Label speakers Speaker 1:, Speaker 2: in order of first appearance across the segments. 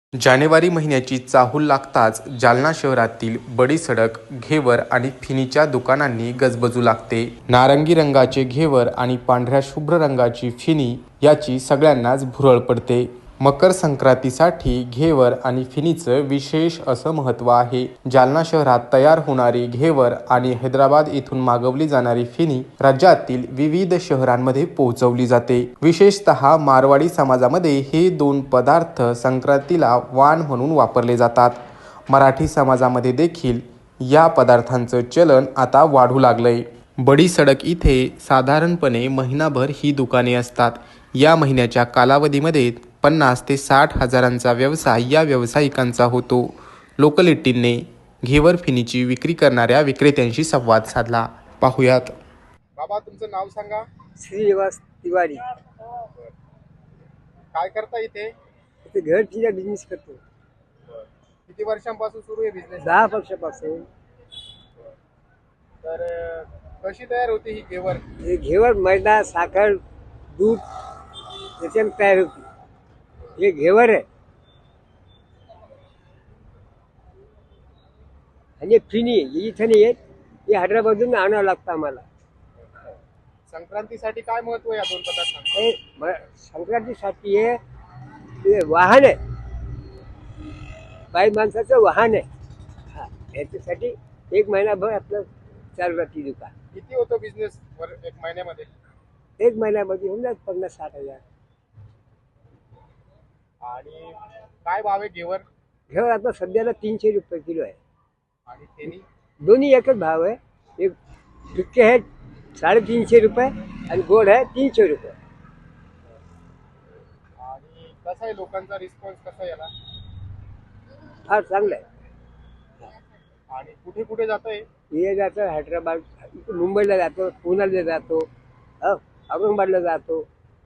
Speaker 1: जानेवारी महिन्याची चाहूल लागताच जालना शहरातील बडी सडक घेवर आणि फिनीच्या दुकानांनी गजबजू लागते. नारंगी रंगाचे घेवर आणि पांढऱ्या शुभ्र रंगाची फिनी याची सगळ्यांनाच भुरळ पडते. मकर संक्रांतीसाठी घेवर आणि फिनीचं विशेष असं महत्त्व आहे. जालना शहरात तयार होणारी घेवर आणि हैदराबाद येथून मागवली जाणारी फिनी राज्यातील विविध शहरांमध्ये पोहोचवली जाते. विशेषतः मारवाडी समाजामध्ये हे दोन पदार्थ संक्रांतीला वाण म्हणून वापरले जातात. मराठी समाजामध्ये देखील या पदार्थांचं चलन आता वाढू लागलंय. बडी सडक इथे साधारणपणे महिनाभर ही दुकाने असतात. या महिन्याच्या कालावधीमध्ये 50 ते 60 हजारांचा व्यवसाय या व्यावसायिकांचा होतो. लोकलिटीने घेवर फिनीची विक्री करणाऱ्या विक्रेत्यांशी संवाद साधला. पाहुयात.
Speaker 2: बाबा, तुमचं नाव सांगा.
Speaker 3: श्रीनिवास तिवारी.
Speaker 2: काय करता इथे?
Speaker 3: इथे घर फिरा बिझनेस करतो.
Speaker 2: किती वर्षांपासून सुरू आहे बिझनेस?
Speaker 3: 10 वर्षापासून.
Speaker 2: तर कशी तयार होते ही घेवर?
Speaker 3: हे घेवर मैदा, साखर, दूध याच्याने तयार होते. हे घेवर आहे आणि फिनी इथं नाही येत. हे हैदराबादून आणावं लागतं आम्हाला.
Speaker 2: संक्रांतीसाठी काय महत्व आहे या दोन पदार्थांचं?
Speaker 3: हे संक्रांतीसाठी हे वाहन आहे, बाई माणसाचं वाहन आहे. हा, याच्यासाठी एक महिनाभर आपलं चालू राहते दुकान.
Speaker 2: किती होतो बिझनेस एक महिन्यामध्ये?
Speaker 3: एक महिन्यामध्ये होऊन जात 50-60 हजार.
Speaker 2: आणि काय भाव आहे घेवर?
Speaker 3: घेवर आता सध्याला 300 रुपये किलो आहे.
Speaker 2: आणि फेनी?
Speaker 3: दोन्ही एकच भाव आहे. एक फिक्के आहे 350 रुपये आणि गोड आहे 300 रुपये.
Speaker 2: आणि कसा आहे लोकांचा रिस्पॉन्स कसा आहे याला?
Speaker 3: फार चांगलं आहे.
Speaker 2: आणि कुठे कुठे जात आहे?
Speaker 3: हे जातं हैदराबाद, मुंबईला जातो, पुण्याला जातो, औरंगाबादला जातो,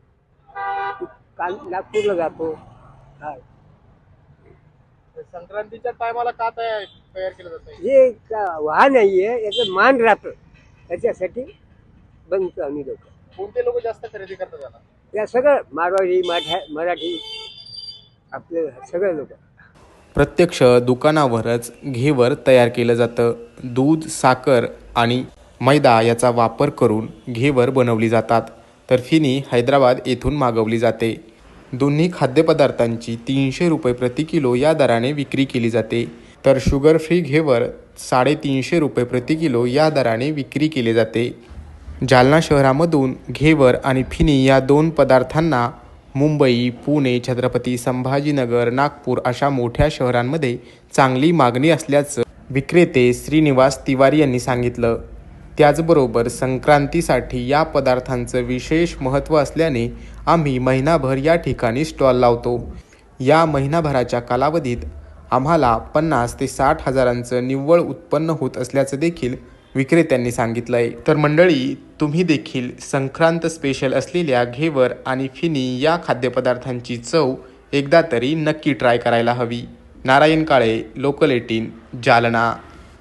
Speaker 3: नागपूरला जातो. हा,
Speaker 2: संक्रांतीच्या टायमाला का तयार केलं जातं?
Speaker 3: हे वाहन नाही आहे, याचं मान राहतं, त्याच्यासाठी बनतो आम्ही लोक.
Speaker 2: कोणते लोक जास्त खरेदी करतात याला?
Speaker 3: या सगळं मारवाडी, मराठी आपले सगळे लोक.
Speaker 1: प्रत्यक्ष दुकानावरच घेवर तयार केलं जातं. दूध, साखर आणि मैदा याचा वापर करून घेवर बनवली जातात. तर फिनी हैदराबाद येथून मागवली जाते. दोन्ही खाद्यपदार्थांची 300 रुपये प्रति किलो या दराने विक्री केली जाते. तर शुगर फ्री घेवर 350 रुपये प्रति किलो या दराने विक्री केले जाते. जालना शहरामधून घेवर आणि फिनी या दोन पदार्थांना मुंबई, पुणे, छत्रपती संभाजीनगर, नागपूर अशा मोठ्या शहरांमध्ये चांगली मागणी असल्याचं विक्रेते श्रीनिवास तिवारी यांनी सांगितलं. त्याचबरोबर संक्रांतीसाठी या पदार्थांचं विशेष महत्त्व असल्याने आम्ही महिनाभर या ठिकाणी स्टॉल लावतो. या महिनाभराच्या कालावधीत आम्हाला 50 ते 60 हजारांचं निव्वळ उत्पन्न होत असल्याचं देखील विक्रेत्यांनी सांगितलंय. तर मंडळी, तुम्ही देखील संक्रांत स्पेशल असलेल्या घेवर आणि फिनी या खाद्यपदार्थांची चव एकदा तरी नक्की ट्राय करायला हवी. नारायण काळे, लोकल 18, जालना.